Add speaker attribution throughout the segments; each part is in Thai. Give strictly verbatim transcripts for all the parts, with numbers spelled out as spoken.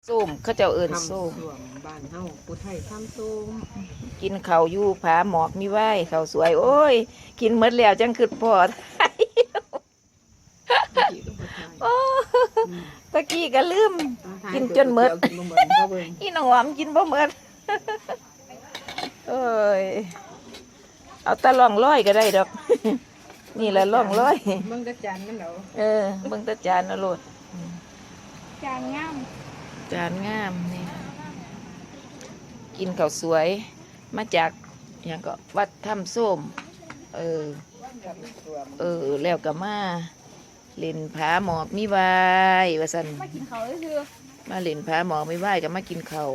Speaker 1: ส้มเขาเจ้าเอิ้นส้ม
Speaker 2: บ้านเฮาผู้ไทยทำส้ม
Speaker 1: กินข้าวอยู่ผาหมอกมีไหว้ข้าวสวยโอ้ยกินหมดแล้วจังคือพอโอ้ตะกี้ก็ลืมกินจนหมดอีน้องหอมกินบ่หมดเอ้ยเอาตะล่องร้อยก็ได้ดอกนี่แหละล่องร้อย
Speaker 2: เบิ่งตะจานมันเหรอ
Speaker 1: เออเบิ่งตะจานนะโลด
Speaker 2: จานงาม
Speaker 1: จานงามนี่กินข้าวสวยมาจากอย่างก็วัดถ้ำส้มเออเออแล้วก็มาเล่นผาหมอกมีไหว้ว่าซั่น
Speaker 2: มากินข้าวซื่อ
Speaker 1: มาเล่นผาหมอกมีไหว้ก็มากินข้าว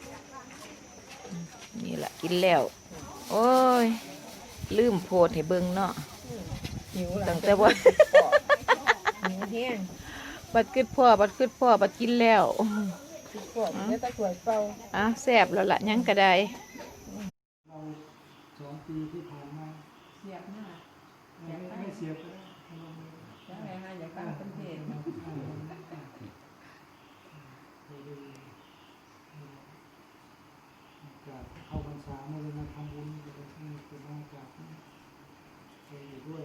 Speaker 1: นี่ล่ะกินแล้วโอ้ยลืมโพดให้เบิ่งเนาะตั้งแต่ว่า
Speaker 2: หิวแห้ง
Speaker 1: บัดกึดพ่อบัดกึดพ่อบัดกินแล้ว
Speaker 2: พ่อเดี๋ยวตะกรวดเป่า
Speaker 1: อ้าวแซ่บแล้วล่ะยังก็ได้
Speaker 3: เราสองปีที่ผ่านมา
Speaker 2: เสียบหน้า
Speaker 3: ไม่เสียบ
Speaker 2: แล้วไงฮะอย่าฟังเป็นเพลง
Speaker 3: เข้าพรรษาเมื่อมาทำบุญจะเป็นที่เป็นมากราบไปอยู่ด้วย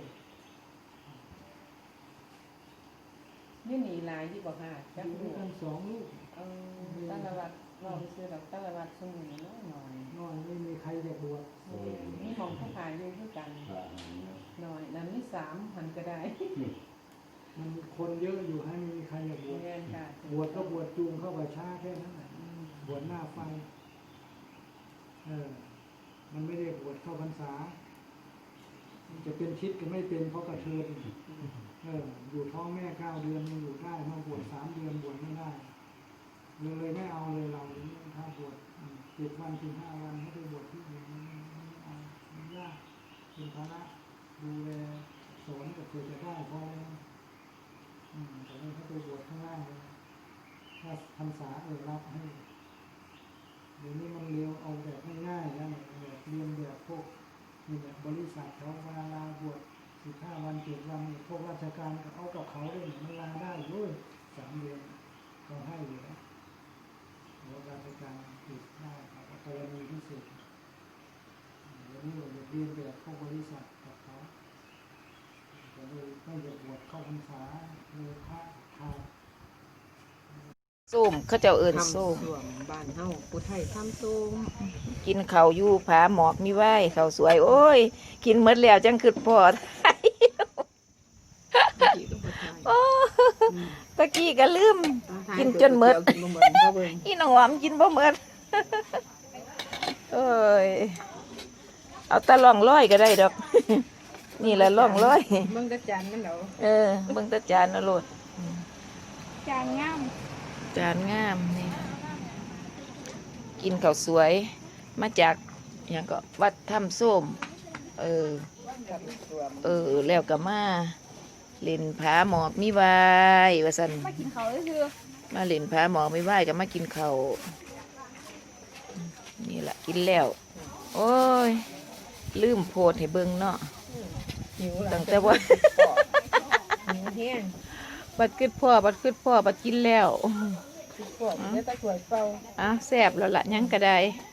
Speaker 2: นี่หนีลายที่บอกค่ะจักลูก
Speaker 3: สองลูก
Speaker 2: เออตั้งระวัดเราไปซื้อแบบตั้งระวัดสมุนน้อยหน่อย
Speaker 3: น้อยไม่มีใครจะบวช
Speaker 2: นี่ของผู้ขายอยู่ด้วยกันหน่อยนั้นนี่สามหันก็ได้
Speaker 3: มันคนเยอะอยู่ให้ไม่มีใครจะบวชบวชก็บวชจูงเข้าไปช้าแค่นั้นบวชหน้าไฟเออมันไม่ได้บวชเข้าพรรษาจะเป็นชิดก็ไม่เป็นเพราะกระเทือนเอออยู่ท้องแม่เก้าเดือนยังอยู่ได้มาบวชสามเดือนบวชไม่ได้เลยไม่เอาเลยเราถ้าบวชเจ็ดวันถึงห้าวันให้ไปบวชที่อื่นเอายากเป็นภาระดูแลสอนก็เพื่อจะได้พอแล้วอืมแต่ไม่ให้ไปบวชข้างล่างเลยถ้าพรรษาเออรับให้เดี๋ยวนี้มันเร็วเอาแบบง่ายๆแล้วแบบเรียนแบบพวกนี่แบบบริษัทเขาเวลาลาบวชสิบห้าวันเจ็ดวันพวกราชการก็เอากับเขาได้มันลาได้ด้วยสามเดือนเขาให้อยู่แล้วพวกราชการติดได้ครับกรณีพิเศษเดี๋ยวนี้เราเรียนแบบพวกบริษัทกับเขาก็เลยไม่จะบวชเข้าพรรษาเลยพระขาด
Speaker 1: ส้มเขาเจ้าเอิ้นส้ม
Speaker 2: บ้านเฮาผู้ไทยทำส้ม
Speaker 1: กินข้าวอยู่ผาหมอกมีไหว้ข้าวสวยโอ้ยกินหมดแล้วจังคือพอโอ้ตะกี้ก็ลืมกินจนหมดอีน้องหอมกินบ่หมดเอ้ยเอาตะล่องร้อยก็ได้ดอกนี่แหละล่องร้อย
Speaker 2: เบิ่งตะจานมันเหรอ
Speaker 1: เออเบิ่งตะจานนะโลด
Speaker 2: จานงาม
Speaker 1: จานงามนี่กินข้าวสวยมาจากอย่างก็วัดถ้ำส้มเออเออแล้วก็มาเล่นผาหมอกมีไหว้ว่าซั่น
Speaker 2: มากินข้าวซื่อ
Speaker 1: มาเล่นผาหมอกมีไหว้ก็มากินข้าวนี่ล่ะกินแล้วโอ้ยลืมโพดให้เบิ่งเนาะตั้งแต่ว่า
Speaker 2: หิวแห้ง
Speaker 1: บัดกึดพ่อบัดกึดพ่อบัดกินแล้ว
Speaker 2: พ่อเดี๋ยวตะกรวดเป่า
Speaker 1: อ้าวแซ่บแล้วล่ะยังก็ได้